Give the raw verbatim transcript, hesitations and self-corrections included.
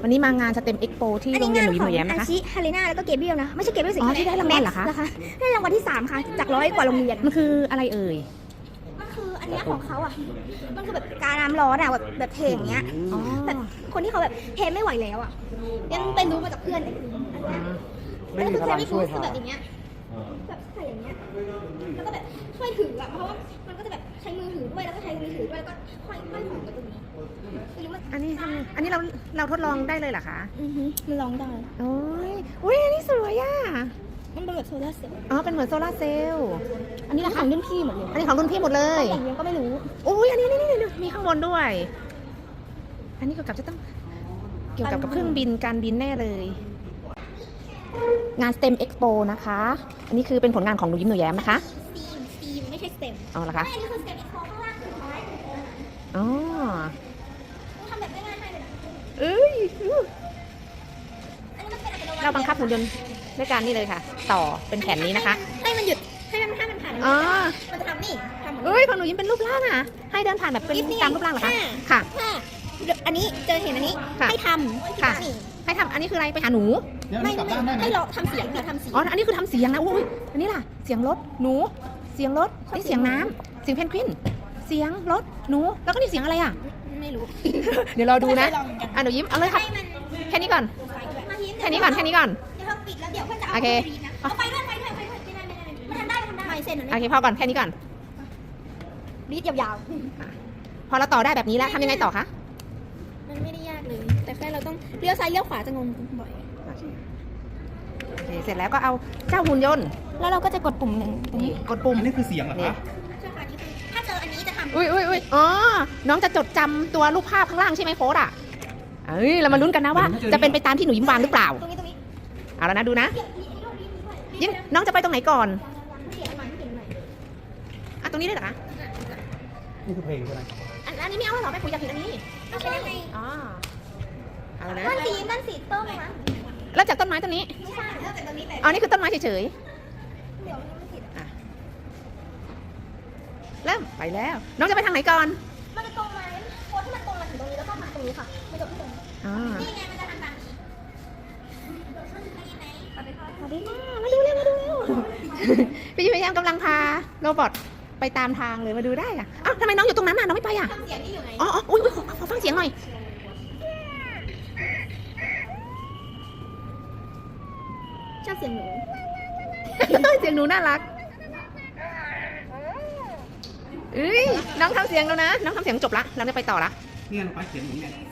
วันนี้มางานสเต็มเอ็กโปที่โรงเรียนหนูยิ้มหนูแย้มนะคะอาชิฮาเลน่าแล้วก็เกเบรียลนะไม่ใช่เกเบรียลสิอ๋อที่ได้รางวัลเหรอคะนะคะได้รางวัลที่สามค่ะจากร้อยกว่าโรงเรียนมันคืออะไรเอ่ยมันคืออันเนี้ยของเขาอ่ะมันคือแบบการน้ำร้อนอ่ะแบบแบบเทอย่างเงี้ยอ๋อแบบคนที่เขาแบบเทไม่ไหวแล้วอ่ะยังเป็นรู้มาจากเพื่อนเลยอันเนี้ยไม่มีคือพเทลังไม่ช่รู้วยคือแบบทำอย่างเงี้ยแบบใส่อย่างเงี้ยแล้วก็แบบช่วยถืออ่ะเพราะว่ามันก็จะแบบใช้มือถือด้วยแล้วก็ใช้มือถือด้วยแล้วก็ค่อยค่อยของไปตรงนี้ไม่รู้มันอันนี้ทำอันนี้เราเราทดลองได้เลยเหรอคะอือฮึมันลองได้โอ้ยอุ้ยอันนี้สวยอ่ะมันเป็นแบบโซลาร์เซลล์อ๋อเป็นเหมือนโซลาร์เซลล์อันนี้ราคารุ่นพี่หมดเลยอันนี้ของรุ่นพี่หมดเลยแต่งยังก็ไม่รู้อุ้ยอันนี้นี่นี่นี่มีข้างบนด้วย อันนี้เกี่ยวกับจะต้องเกี่ยวกับกับเครื่องบินการบินแน่เลย งาน STEM Expo นะคะ อันนี้คือเป็นผลงานของหนูยิ้มหนูแย้มนะคะสตีมสตีมไม่ใช่สเต็มเอาละคะไม่อันนี้คือสเต็มอีกโคข้างล่างคือเอาไว้อ๋อทำแบบง่ายๆให้เลยนะเอ้ยอันนี้มันเป็นอัตโนมัติเราบังคับหุ่นยนต์ด้วยการนี่เลยค่ะ ต่อเป็นแผ่นนี้นะคะให้มันหยุดให้มันให้มันผ่านอ๋อมันจะทำนี่ทำหมดเอ้ยของหนูยิ้มเป็นรูปร่างอ่ะ ให้เดินผ่านแบบเป็นตามรูปร่างเหรอคะ ค่ะถ้าอันนี้เจอเห็นอันนี้ค่ะให้ทำค่ะนี่ให้ทำอันนี้คืออะไรไปหาหนูไม่ไม่ให้เราทำเสียงเราทำเสียงอ๋อ อันนี้คือทำเสียงนะอุ้ยอันนี้ล่ะ เสียงรถ หนู เสียงรถนี่เสียงน้ำเสียงเพนกวิน เสียงรถ หนู แล้วก็นี่เสียงอะไรอ่ะไม่รู้เดี๋ยวรอดูนะไม่เคยลองเหมือนกันอ่ะหนูยิ้ม เอาเลยครับให้มันแค่นี้ก่อนมายิ้มแค่นี้ก่อน แค่นี้ก่อนเดี๋ยวเราปิดแล้วเดี๋ยวเพื่อนจะเอาโอเคไปรีดนะเอาไปด้วยไปด้วยไปด้วยไม่ได้ไม่ได้ไม่ทันได้ไม่ทันได้ไม่เซ็นอันโอนี้เคพอก่อน แค่นี้ก่อนรีดยาวพอเราต่อได้แบบนี้แล้วทำยังไงต่อคะๆมันไม่ได้ยากเลย แต่แค่เราต้องเลี้ยวซ้ายเลี้ยวขวาจะงงบ่อยโอเค เสร็จแล้วก็เอาเจ้าหุ่นยนต์แล้วเราก็จะกดปุ่มหนึ่งตรงนี้กดปุ่มอันนี้คือเสียงเหรอนี่คะใช่ค่ะนี่คือถ้าเจออันนี้จะทำอุ้ยอุ้ยอุ้ยอ๋อ น้องจะจดจำตัวรูปภาพข้างล่างใช่ไหมโฟสอ่ะ เอ้ย เรามาลุ้นกันนะว่า จะเป็นไปตามที่หนูยิ้มวางหรือเปล่าตรงนี้ตรงนี้เอาแล้วนะดูนะเดี๋ยวนี้ตรงนี้ด้วยยิ้มน้องจะไปตรงไหนก่อนเขียนใหม่เขียนใหม่อ่ะตรงนี้ได้เหรอคะนี่คือเพลงใช่ไหมอันอันนี้ไม่เอาแล้วเหรอไปคุยกับผิดอันนี้เอาใช่ไงอ๋อ เอาแล้วนะมันสีมันสีต้มไหมวะแล้วจากต้นไม้ต้นนี้ไม่ใช่แล้วแต่ตรงนี้แต่อ๋อ นี่คือต้นไม้เฉยเดี๋ยวมันไม่ผิดๆอ่ะเริ่มไปแล้ว น้องจะไปทางไหนก่อนมันจะตรงไหมโค้ดที่มันตรงมาถึงตรงนี้แล้วก็ทำตรงนี้ค่ะมันจบที่ตรงนี้อ๋อนี่ไงมันจะทำตามนี้สวัสดีค่ะสวัสดีค่ะมาดูเร็วมาดูเร็ว พี่ยิ้มพยายามกำลังพาโรบอทไปตามทางเลยมาดูได้อะอ้าวทำไมน้องอยู่ตรงนั้นน่ะน้องไม่ไปอ่ะทำเสียงนี่อยู่ไหนอ๋ออ๋ออุ้ยอุ๊ยขอขอฟังเสียงหน่อยชอบเสียงหนูเสียงหนูน่ารักเอ้ยน้องทำเสียงแล้วนะ น้องทำเสียงจบละเราจะไปต่อละเนี่ยลงไปเขียนอย่างนี้ไง